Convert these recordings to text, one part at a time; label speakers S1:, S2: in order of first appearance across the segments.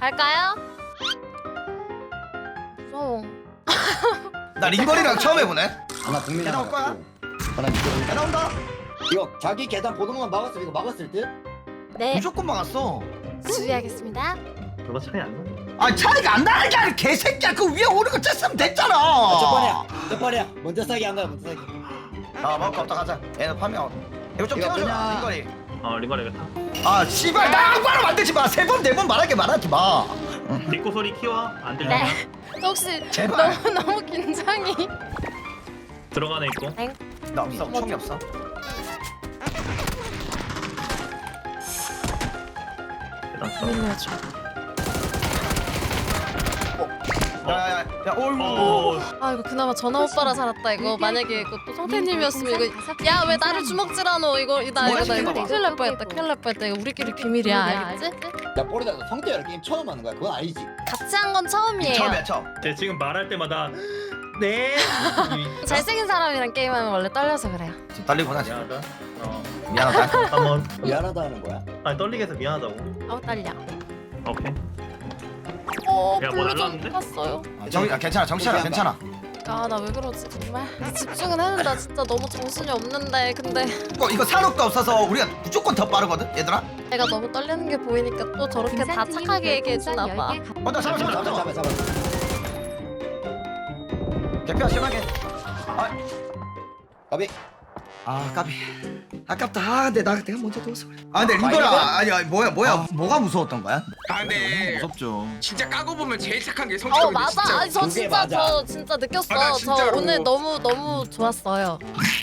S1: 갈까요? 무서워.
S2: 나 링거리랑 처음 해보네.
S3: 하나 국민
S2: 계단
S3: 하나
S2: 올 거야?
S3: 갖고. 하나 이거
S2: 야 나온다.
S3: 이거 자기 계단 보는 것만 막았어. 이거 막았을 듯?
S1: 네,
S2: 무조건 막았어.
S1: 주의하겠습니다.
S4: 별로 차이 안 나.
S2: 아 차이가 안 나는 게 아니라 개새끼야. 그 위에 오는 거 쬐으면 됐잖아.
S3: 첫 번이야. 첫 번이야. 먼저 싸기 한 거야. 먼저 싸기.
S2: 아 먹을 거 없다 가자. 얘는 파면. 이거 좀
S3: 이거
S2: 태워줘.
S3: 그냥-
S2: 링거리.
S4: 리거리겠다.
S2: 아 씨발 나 악바로 만들지 마. 세 번 네 번 말하지 마.
S4: 뒷고 소리 키워. 안 들리냐?
S1: 네. 저 혹시
S2: 제발.
S1: 너무 긴장이.
S4: 들어가네 있고.
S2: 나 없어. 총이 없어.
S4: 계단 써.
S1: 밀려줘.
S2: 야야야. 어이구.
S1: 아 이거 그나마 전화 오빠라 살았다 이거. 만약에 이거 또 성태님이었으면 이거 야 왜 나를 주먹질하노 이거 나 이거
S2: 시켜봐.
S1: 큰일 날 뻔했다. 큰일 날 뻔했다. 이거 우리끼리 비밀이야. 알겠지?
S3: 야 뽀리다 너 성대열 게임 처음 하는 거야. 그건 아니지.
S1: 같이 한 건 처음이에요.
S2: 처음이야 처음.
S4: 쟤 지금 말할 때마다 네.
S1: 잘생긴 사람이랑 게임하면 원래 떨려서 그래요.
S2: 지금 떨리구나 지금.
S4: 미안하다.
S2: 미안하다.
S4: 한번.
S3: 미안하다 하는 거야.
S4: 아니 떨리게 해서 미안하다고.
S1: 아우 떨려.
S4: 오케이. 야, 뭐
S1: 블루 좀
S4: 날라왔는데?
S1: 탔어요.
S2: 괜찮아 정신아 괜찮아.
S1: 아 나 왜 그러지 정말. 집중은 했는데 진짜 너무 정신이 없는데 근데
S2: 이거 산업도 없어서 우리가 무조건 더 빠르거든 얘들아.
S1: 내가 너무 떨리는 게 보이니까 또 저렇게 다 착하게 얘기해주나 봐.
S2: 나
S3: 잡아 잡아 잡아.
S2: 대표 심하게.
S3: 가비.
S2: 아 까비. 아깝다. 아 근데 내가 먼저 누웠어 그래. 아 근데 링거라 아니 뭐야 뭐가 무서웠던 거야?
S5: 아 근데
S2: 무섭죠.
S5: 진짜 까고 보면 제일 착한 게 성격인데
S1: 맞아.
S5: 진짜.
S1: 아니 저
S3: 그게
S1: 진짜
S3: 맞아.
S1: 저 진짜 느꼈어.
S5: 아, 나
S1: 저
S5: 진짜로.
S1: 오늘 너무 좋았어요.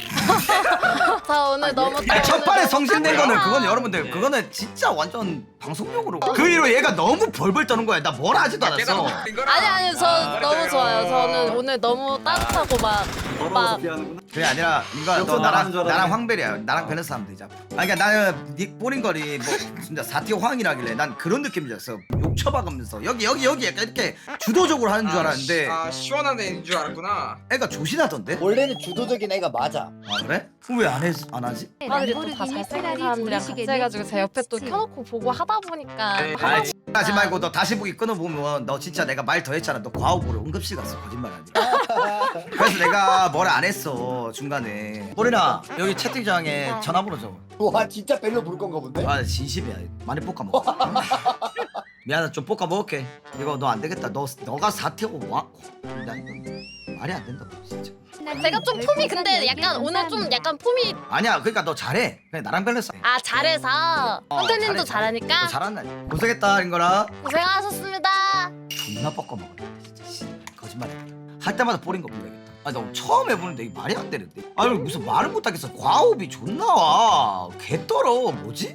S1: 저 오늘 너무
S2: 아니 첫 판에
S1: 너무
S2: 성신된 거는
S1: 착하다.
S2: 그건 여러분들 그거는 진짜 완전 방송용으로 그 이후로 얘가 너무 벌벌 떠는 거야. 나 뭘 하지도 않았어.
S1: 아니 저 너무 좋아요. 저는 오늘 너무 따뜻하고 막
S2: 그게 아니라 이거 너 나랑 황벨이야. 나랑 밸런스 하면 되자. 아니 그러니까 나는 닉 뽀린거리 뭐 진짜 사티오 황이라길래 난 그런 느낌이었어. 욕 쳐박으면서 여기 약간 이렇게 주도적으로 하는 줄 알았는데
S5: 아 시원한 애인 줄 알았구나.
S2: 애가 조신하던데?
S3: 원래는 주도적인 애가 맞아.
S2: 아 그래? 그럼 왜 안 하지?
S1: 오빠들이 또 다 잘생긴 사람들이랑 같이 해가지고 제 옆에 또 켜놓고 보고 하다 보니까
S2: 아 하지 말고 너 다시 보기 끊어보면 너 진짜 내가 말 더 했잖아. 너 과오보러 응급실 갔어. 거짓말 아니야. 그래서 내가 뭘 안 했어 중간에. 뽀리나 여기 채팅창에 전화번호 적어.
S3: 와 진짜 벨로 부를 건가 본데?
S2: 아 진심이야. 많이 볶아 먹어. 미안해 좀 볶아 먹을게. 이거 너 안 되겠다. 너가 사태고 와. 나 이거 말이 안 된다 진짜.
S1: 제가 좀 폼이 근데 약간 오늘 좀 약간 폼이
S2: 아니야 그러니까 너 잘해. 그냥 나랑 밸런스.
S1: 아 잘해서 선생님도 잘하니까
S2: 너 잘한다. 고생했다 인거라.
S1: 고생하셨습니다.
S2: 존나 볶아 먹었는데 진짜 씨. 거짓말이야. 할 때마다 뽀린 거 불러야겠다. 아니 나 처음 해보는데 이게 말이 안 되는데. 아니 무슨 말을 못하겠어. 과호흡이 존나 와. 개떨어. 뭐지?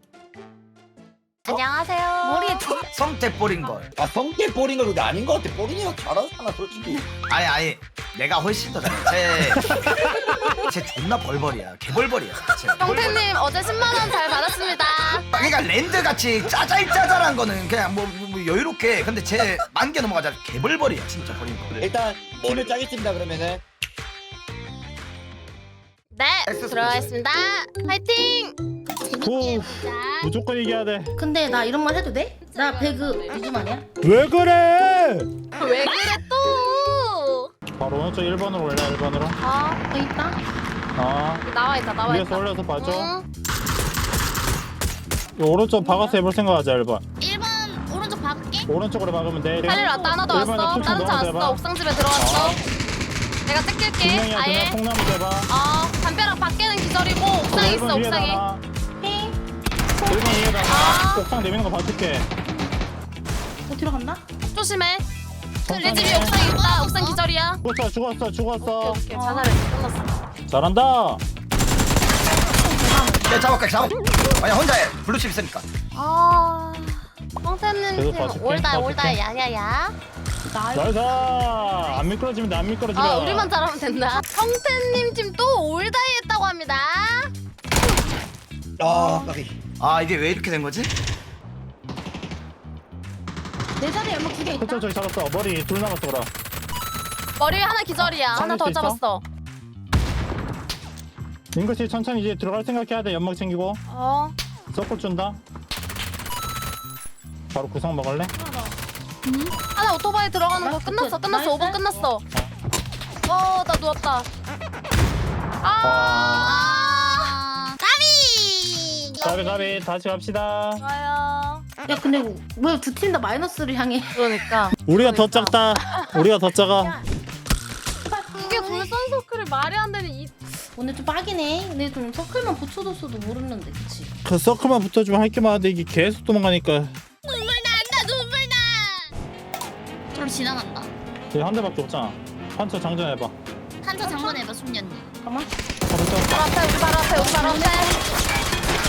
S1: 안녕하세요. 머리에
S2: 성태 뽀린 걸.
S3: 아 성대 뽀린 거 근데 아닌 거 같아. 뽀린이가 잘하잖아 솔직히.
S2: 아니 내가 훨씬 더 잘해. 쟤 존나 벌벌이야. 개벌벌이야. 쟤.
S1: 성태님 어제 10만 원 잘 받았습니다.
S2: 그러니까 랜드 같이 짜잘짜잘한 거는 그냥 뭐 여유롭게. 근데 쟤 만개 넘어가자 개벌벌이야 진짜 버린 거.
S3: 일단 팀을 짜겠습니다 그러면은.
S1: 네 들어가겠습니다. 파이팅.
S6: 오, 무조건 이겨야 돼.
S7: 근데 나 이런 말 해도 돼? 나 배그 요즘 아니야?
S6: 왜 그래?
S1: 왜 그래 또?
S6: 바로 오른쪽 1번으로 올려 1번으로.
S1: 아
S7: 어 있다?
S6: 아,
S1: 나와 있다.
S6: 위에서 올려서 봐줘.
S1: 응.
S6: 이 오른쪽 박아서 해볼 생각하자 1번.
S7: 1번 오른쪽 박을게.
S6: 오른쪽으로 박으면 돼.
S1: 살리러 왔다. 하나 더
S6: 일반에
S1: 왔어.
S6: 툭툭
S1: 다른 차
S6: 넣어서
S1: 왔어.
S6: 해봐.
S1: 옥상집에 들어왔어. 내가 뜯길게.
S6: 분명히야
S1: 아예.
S6: 그냥 콩나무 대봐.
S1: 담벼락 밖에는 기절이고 옥상에 있어. 옥상에.
S6: 1번 위에다가
S1: 아.
S6: 옥상 내미는 거 봐줄게.
S7: 어디로 간다?
S1: 조심해. 내 집이
S6: 천천히.
S1: 옥상에 있다. 옥상 기절이야.
S6: 죽었어.
S1: 오케이. 자살해. 끝났어.
S6: 잘한다.
S2: 야 잡을게. 아니 혼자 해. 블루칩 있으니까.
S1: 아. 성태님
S6: 계속
S1: 팀
S6: 봐줄게,
S1: 올다
S6: 봐줄게.
S1: 야야야.
S6: 나이스. 안 미끄러지면 돼. 안 미끄러지면.
S1: 아 우리만 잘하면 된다. 성태님 팀 또 올다이 했다고 합니다.
S3: 아 까비.
S2: 아 이게 왜 이렇게 된 거지?
S7: 내 자리에 연막 2개 있다.
S6: 저기 잡았어. 머리 둘 남았어 그럼.
S1: 머리 하나 기절이야. 하나
S6: 살릴
S1: 더
S6: 수 있어?
S1: 잡았어.
S6: 링크씨 천천히 이제 들어갈 생각해야 돼. 연막 챙기고.
S1: 어.
S6: 서클 준다. 바로 구상 먹을래?
S1: 하나 오토바이 들어가는 거 끝났어.
S7: 나이스.
S1: 5분 끝났어. 나 누웠다.
S6: 가비 다시 갑시다.
S1: 좋아요.
S7: 야 근데 왜 두 팀 다 마이너스를 향해?
S1: 그러니까
S6: 우리가 더 작다. 우리가 더 작아.
S1: 이게 불선 서클이 말이 안 되는 이.
S7: 오늘 좀 빡이네. 근데 좀 서클만 붙여줬어도 모르는데 그치?
S6: 그 서클만 붙어주면 할 게 많은데 이게 계속 도망가니까.
S8: 눈물 나. 저로 지나간다.
S6: 여기 한 대밖에 없잖아. 판처 장전해봐.
S8: 한자 장관해봐 숙련님.
S7: 잠깐만.
S1: 바로 앞에 우리 바로 앞에 우리 바로 앞에.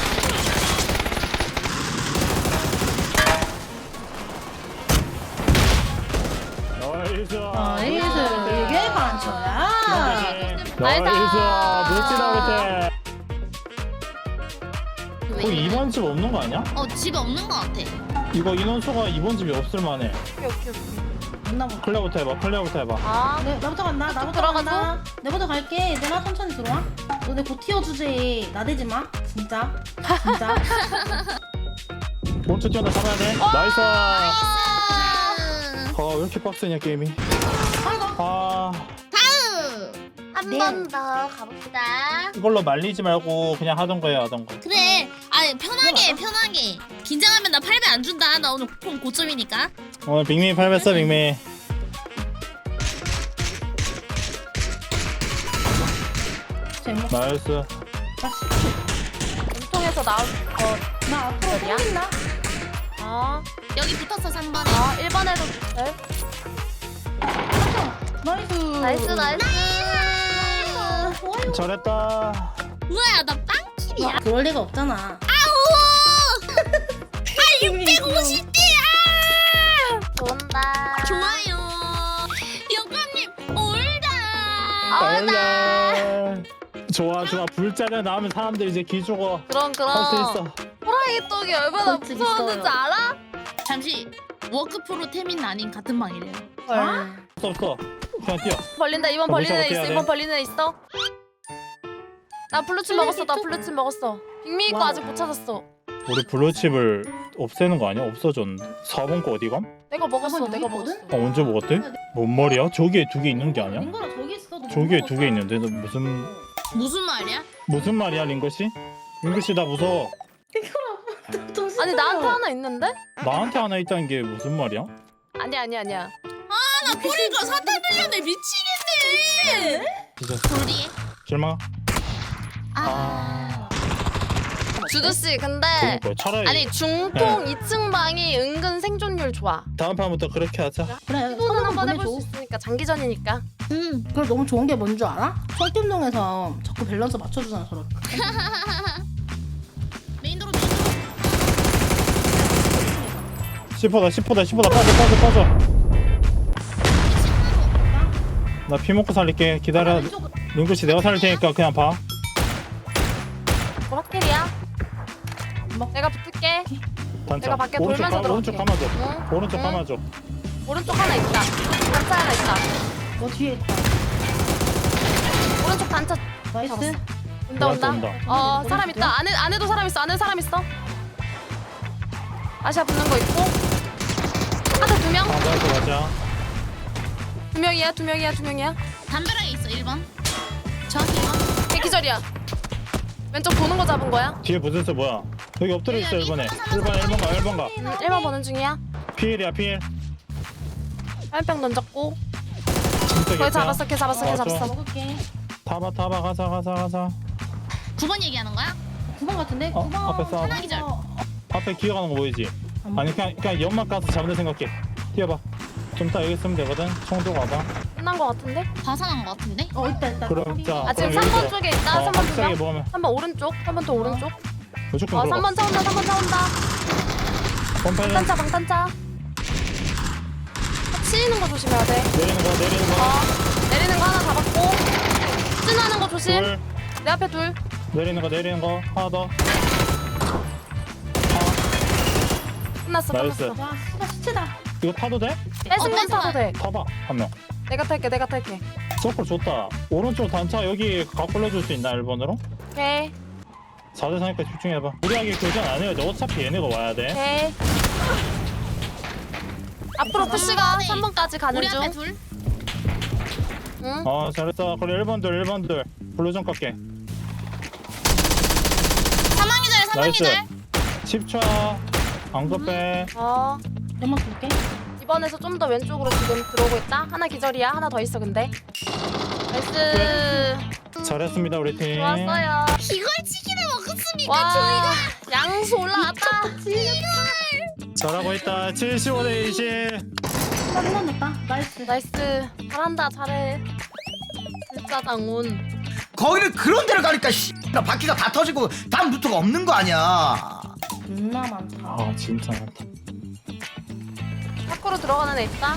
S6: 나이스.
S7: 나이스. 이게 반초야.
S6: 나이스. 멋지다 우리 팀. 거기 2번 집 없는 거 아니야?
S8: 집에 없는 것 같아.
S6: 이거 인원수가 2번 집이 없을 만해.
S1: 오케이.
S7: 없나 보다.
S6: 클리어부터 해봐.
S1: 아,
S7: 나부터 간다. 나부터
S1: 들어가서?
S7: 간다. 내부터 갈게. 얘들아 천천히 들어와. 너네 곧 튀어주제. 나대지 마. 진짜. 진짜.
S6: 오른쪽 뛰어나 잡아야 돼. 나이스.
S8: 나이스.
S6: 왜 이렇게 빡세냐 게임이.
S7: 아이고.
S6: 아
S8: 한
S7: 네.
S8: 번 더 가봅시다.
S6: 이걸로 말리지 말고 그냥 하던 거야.
S8: 그래. 편하게. 긴장하면 나 8배 안 준다. 나 오늘 총 고점이니까.
S6: 오늘 빅미 8배 써 빅미.
S7: 제목.
S6: 나이스.
S1: 몸통에서 나올 거.
S7: 나 앞으로
S1: 어디야?
S7: 땡긴다.
S1: 아,
S8: 여기 붙었어 3번에.
S1: 1번에도 돼.
S7: 나이스.
S1: 나이스.
S7: 좋아요.
S6: 잘했다.
S8: 뭐야 나 빵킬이야.
S7: 그럴 리가 없잖아.
S8: 아우. 650대야.
S1: 좋은다.
S8: 좋아요. 영감님 올다.
S6: 얼라. 좋아. 불자리 나오면 사람들 이제 기 죽어.
S1: 그럼.
S6: 할 수 있어.
S1: 호랑이 떡이 얼마나
S7: 그렇지,
S1: 무서웠는지
S7: 있어요.
S1: 알아?
S8: 잠시 워크프로 태민 아닌 같은 방이래요.
S6: 없어. 그냥 뛰어.
S1: 벌린다. 2번
S6: 더
S1: 벌리는 애
S6: 무시하고
S1: 있어.
S6: 뛰어야
S1: 2번
S6: 돼.
S1: 벌리는 애 있어. 나 블루칩 먹었어. 빅미 거
S7: 와우.
S1: 아직 못 찾았어.
S6: 우리 블루칩을 없애는 거 아니야? 없어졌는데. 4번 거 어디 감?
S1: 내가 먹었어.
S7: 여기
S1: 내가
S7: 있거든?
S1: 먹었어.
S6: 언제 먹었대? 뭔 말이야? 저기에 2개 있는 게 아니야?
S7: 민거라 저기 있어. 너
S6: 저기에
S7: 못
S6: 2개 있는데 너
S8: 무슨 말이야?
S6: 무슨 말이야 링거씨? 링거씨 나 무서워.
S7: 먹었어.
S1: 아니 나한테 하나 있는데?
S6: 나한테 하나 있다는 게 무슨 말이야?
S1: 아니야.
S8: 나 꼬리가 사탄 들렸네 미치겠네.
S6: 진짜
S8: 돌리에.
S6: 실망.
S1: 주두 씨 근데
S6: 그러니까 차라리
S1: 아니 중통 2층 방이 은근 생존율 좋아.
S6: 다음 판부터 그렇게 하자.
S7: 그래.
S1: 시도는 한번
S7: 보내줘.
S1: 해볼 수 있으니까 장기전이니까.
S7: 그걸 너무 좋은 게 뭔 줄 알아? 철팀동에서 자꾸 밸런스 맞춰주잖아 저렇게.
S8: 메인도로
S6: 10호다 빠져. 나 피 먹고 살릴게. 기다려. 링거씨 내가 살릴 테니까 그냥 봐.
S1: 뭐 확실이야? 내가 붙을게.
S6: 단차.
S1: 내가 밖에
S6: 오른쪽
S1: 돌면서
S6: 오른쪽
S1: 들어갈게.
S6: 감아줘.
S1: 응?
S6: 오른쪽
S1: 응?
S6: 감아줘.
S1: 오른쪽 하나 있다. 단차 하나 있다.
S7: 너 뒤에 있다.
S1: 오른쪽 단차
S7: 나이스.
S1: 온다.
S6: 온다.
S1: 사람 있다. 안에도 사람 있어. 안에 사람 있어. 아시아 붙는 거 있고. 하나 2명.
S6: 맞아.
S1: 2명이야.
S8: 담벼락에 있어 1번. 정확히 1번.
S1: 걔 기절이야. 왼쪽 보는 거 잡은 거야.
S6: 뒤에 부스스 뭐야? 여기 엎드려 있어 1번에. 1번 가.
S1: 1번 보는 중이야.
S6: 피일이야 피일.
S1: 화염병 던졌고.
S6: 진짜
S1: 걔
S6: 개피야.
S1: 잡았어. 걔 잡았어.
S7: 먹을게.
S6: 타봐 가자.
S8: 9번 얘기하는 거야?
S7: 9번 같은데?
S6: 어?
S7: 9번.
S6: 앞에 싸워.
S8: 하나 기절.
S6: 앞에 기어가는 거 보이지? 아니 그냥 연막 가서 잡는 생각해. 뛰어봐. 좀 이따 여기 있으면 되거든. 총 들고 와봐.
S1: 끝난 거 같은데?
S8: 과산한 거 같은데?
S7: 있다.
S6: 그럼 자.
S1: 아 지금
S6: 그럼
S1: 3번
S6: 여기서
S1: 쪽에 있다. 3번 두
S6: 확실하게
S1: 명.
S6: 먹으면
S1: 3번 오른쪽. 3번 또 오른쪽.
S6: 무조건 들어가.
S1: 3번 차 온다.
S6: 펌파이는
S1: 방탄차. 치이는 거 조심해야 돼.
S6: 내리는 거.
S1: 내리는 거 하나 잡았고. 찐하는 거 조심.
S6: 둘.
S1: 내 앞에 둘.
S6: 내리는 거. 하나 더.
S1: 끝났어.
S6: 나이스.
S7: 와 씨발 시체다.
S6: 이거 타도 돼?
S1: 뺏으면 타도 돼.
S6: 타봐. 한 명.
S1: 내가 탈게.
S6: 서클 좋다. 오른쪽 단차 여기 가꿀려줄 수 있나 1번으로?
S1: 오케이.
S6: 4대 3니까 집중해봐. 무리하게 교전 안 해야지. 어차피 얘네가 와야 돼.
S1: 오케이. 앞으로 푸시가 3번까지 가는
S8: 우리 앞에
S1: 중.
S8: 둘.
S1: 응?
S6: 잘했어. 그래 1번들 1번들 블루 좀 깎게.
S8: 사망이절
S6: 나이스.
S8: 사망이절.
S6: 10초. 안 급해.
S7: 연막 볼게.
S1: 이번에서 좀 더 왼쪽으로 지금 들어오고 있다. 하나 기절이야. 하나 더 있어 근데. 나이스.
S6: 잘했습니다 우리 팀.
S1: 좋았어요.
S8: 이걸 치킨을 먹었습니까
S1: 와
S8: 저희가?
S1: 양수 올라왔다.
S6: 잘하고 있다. 75대 20.
S7: 한번 넣었다. 나이스.
S1: 나이스. 잘한다 잘해. 진짜 장운.
S2: 거기는 그런 데를 가니까 나 바퀴가 다 터지고 다음 루트가 없는 거 아니야.
S7: 존나 많다.
S6: 아 진짜 많다.
S1: 밖으로 들어가는 애 있다.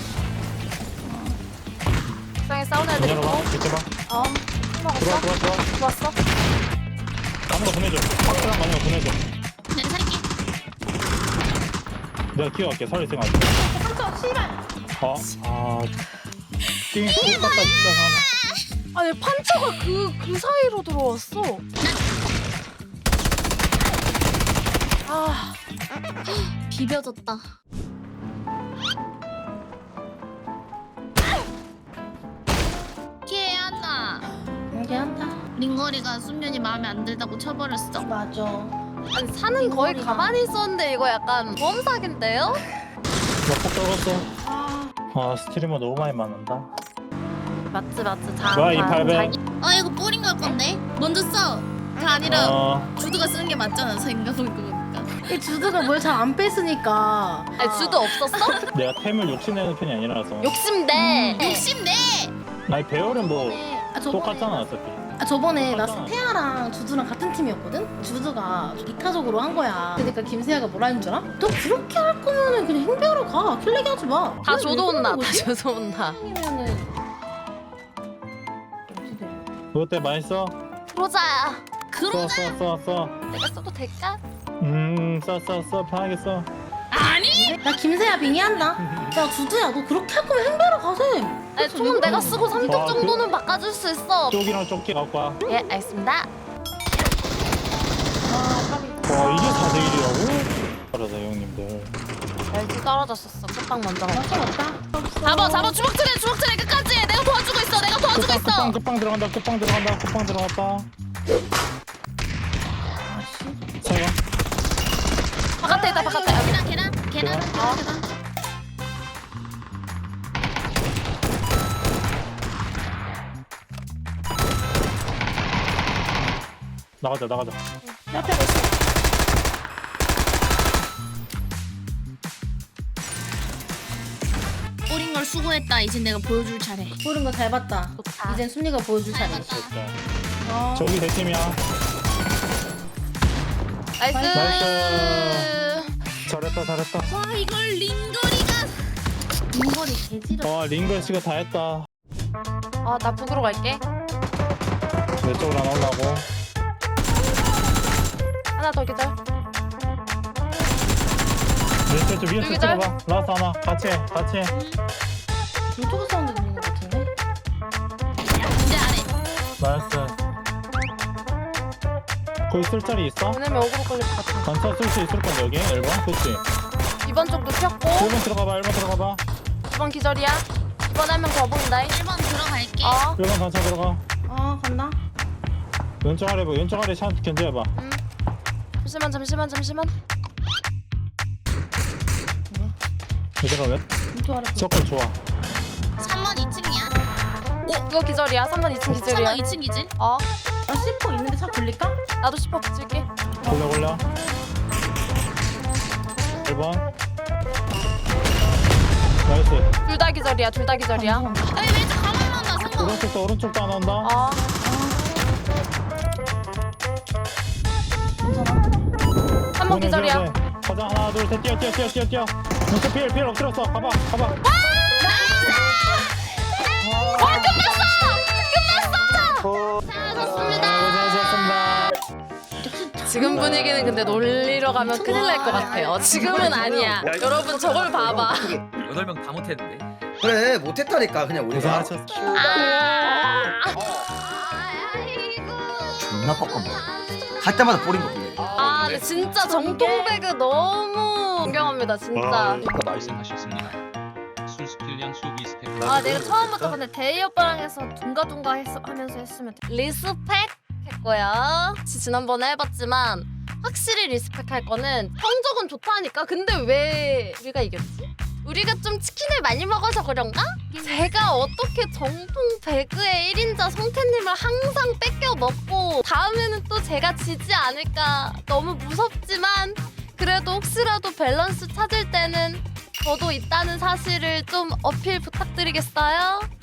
S1: 옥상에 싸우는 애들
S6: 열어봐.
S1: 있고.
S6: 이렇게 봐.
S1: 먹었어?
S6: 들어와.
S1: 좋았어.
S6: 많은 거 보내줘. 박스랑 많은 거 보내줘.
S8: 네 살게.
S6: 내가 키워갈게. 살릴 생각.
S7: 한쪽 씨발.
S6: 띵 똑같다 진짜.
S1: 아니 판처가 그 사이로 들어왔어. 아
S8: 비벼졌다. 걔한나
S7: 이게 한다.
S8: 링거리가 순면이 마음에 안 들다고 쳐버렸어.
S7: 맞아.
S1: 아니 사는 거의
S7: 이거리가.
S1: 가만히 있었는데 이거 약간 범사기인데요?
S6: 몇폭 떨궜어.
S7: 아,
S6: 스트리머 너무 많이 맞는다.
S1: 맞지
S6: 뭐야, 이 팔배.
S8: 이거 뿌린 걸 건데. 먼저 써. 다 아니라 주드가 쓰는 게 맞잖아 생각해보니까.
S7: 이 주드가 뭘 잘 안 뺐으니까.
S1: 아니 주도 없었어?
S6: 내가 템을 욕심내는 편이 아니라서.
S1: 욕심내.
S8: 욕심내.
S6: 아니 배열은 뭐
S7: 저번에
S6: 똑같잖아 어차피.
S7: 저번에 나
S6: 맞잖아.
S7: 태아랑 주드랑 같은 팀이었거든? 주드가 이타적으로 한 거야. 그러니까 김세아가 뭐라 했는 줄 알아? 너 그렇게 할 거면은 그냥 행배하러 가. 킬레기 하지 마.
S1: 다
S7: 그냥
S1: 줘도
S7: 왜
S1: 온다.
S7: 그러는
S1: 다
S7: 거지?
S1: 줘도 온다.
S7: 아니면은
S6: 그것 때 많이 써?
S1: 그러자.
S6: 써.
S1: 내가 써도 될까?
S6: 써. 편하게 써.
S8: 아니.
S7: 나 김세아 빙의한다. 야 주드야 너 그렇게 할 거면 행배하러 가세.
S1: 아니 총은 내가 쓰고 3등
S6: 와,
S1: 정도는 바꿔줄 수 있어.
S6: 쪽이랑 조끼 갖고 와.
S1: 예 알겠습니다.
S6: 와 이게 4대1이라고? 그러다 형님들.
S1: 멸치 떨어졌었어. 끝방 먼저 가.
S7: 맞아 없다.
S1: 잡아 주먹질해 끝까지 해. 내가 도와주고 있어. 내가 도와주고 있어.
S6: 끝방 들어간다. 끝방 들어갔다. 차가.
S1: 바깥에 있다 바깥에.
S8: 계단.
S6: 나가자.
S7: 옆에 있어.
S8: 뿌린 걸 수고했다. 이제 내가 보여줄 차례.
S7: 보는 거 잘 봤다.
S1: 좋다.
S7: 이젠 순리가 보여줄 차례.
S8: 봤다.
S7: 어.
S6: 저기 내 팀이야.
S1: 나이스.
S6: 잘했다.
S8: 와 이걸 링거리가.
S7: 인거리 개지러.
S6: 와 링글 씨가 다 했다.
S1: 나 북으로 갈게.
S6: 내 쪽으로 안 올라고.
S1: 하나 더 기절.
S6: 내 쪽 위에서
S1: 여기다.
S6: 찍어봐. 라스 하나. 같이 해.
S7: 이쪽에 사운드 들리는 거 같은데?
S8: 이제 아래.
S6: 나이스. 거기 쓸 자리 있어?
S1: 보내면 어그로 걸릴 것 같아.
S6: 단차 쓸 수 있을 건데 여기 1번? 그치?
S1: 2번 쪽도 폈고
S6: 1번 들어가봐.
S1: 2번 기절이야. 2번 한 명 더 보인다.
S8: 1번 들어갈게.
S6: 1번 단차 들어가.
S7: 간다.
S6: 왼쪽 아래 샷 견제해봐.
S1: 잠시만.
S6: 얘들아 왜?
S7: 이쪽 아래.
S6: 서클 좋아.
S8: 3번 2층이야.
S1: 그거 기절이야. 3번 2층 기절이야.
S8: 3번 2층이지.
S7: 나 C4 있는데 차 굴릴까?
S1: 나도 10호 붙일게.
S6: 골라. 1번. 나이스.
S1: 둘 다 기절이야.
S8: 아니 왼쪽 가만만 나 3번.
S6: 오른쪽도 안 온다.
S1: 3번 기절이야.
S6: 가자 하나 둘 셋 뛰어. 왼쪽 필 엎드렸어. 가봐.
S8: 잘하셨습니다.
S1: 지금 분위기는 근데 놀리러 가면 큰일 날 것 같아요. 지금은 아니야. 여러분 저걸 봐봐.
S9: 8명 다 못했는데.
S2: 그래 못했다니까 그냥 우리가.
S6: 고생하셨어.
S2: 존나 뻑뻑해. 할 때마다 뿌린 거.
S1: 근데 진짜 정통 배그 너무 존경합니다. 감사합니다 진짜.
S9: 말씀하셨습니다. 수스필량 수비 스텝.
S1: 아 내가 처음부터 근데 대희 오빠랑 해서 둥가둥가 하면서 했으면 돼. 리스펙 했고요. 지난번에 해봤지만 확실히 리스펙 할 거는 성적은 좋다니까. 근데 왜 우리가 이겼지? 우리가 좀 치킨을 많이 먹어서 그런가? 제가 어떻게 정통 배그의 1인자 성태님을 항상 뺏겨 먹고 다음에는 또 제가 지지 않을까 너무 무섭지만 그래도 혹시라도 밸런스 찾을 때는 저도 있다는 사실을 좀 어필 부탁드리겠어요?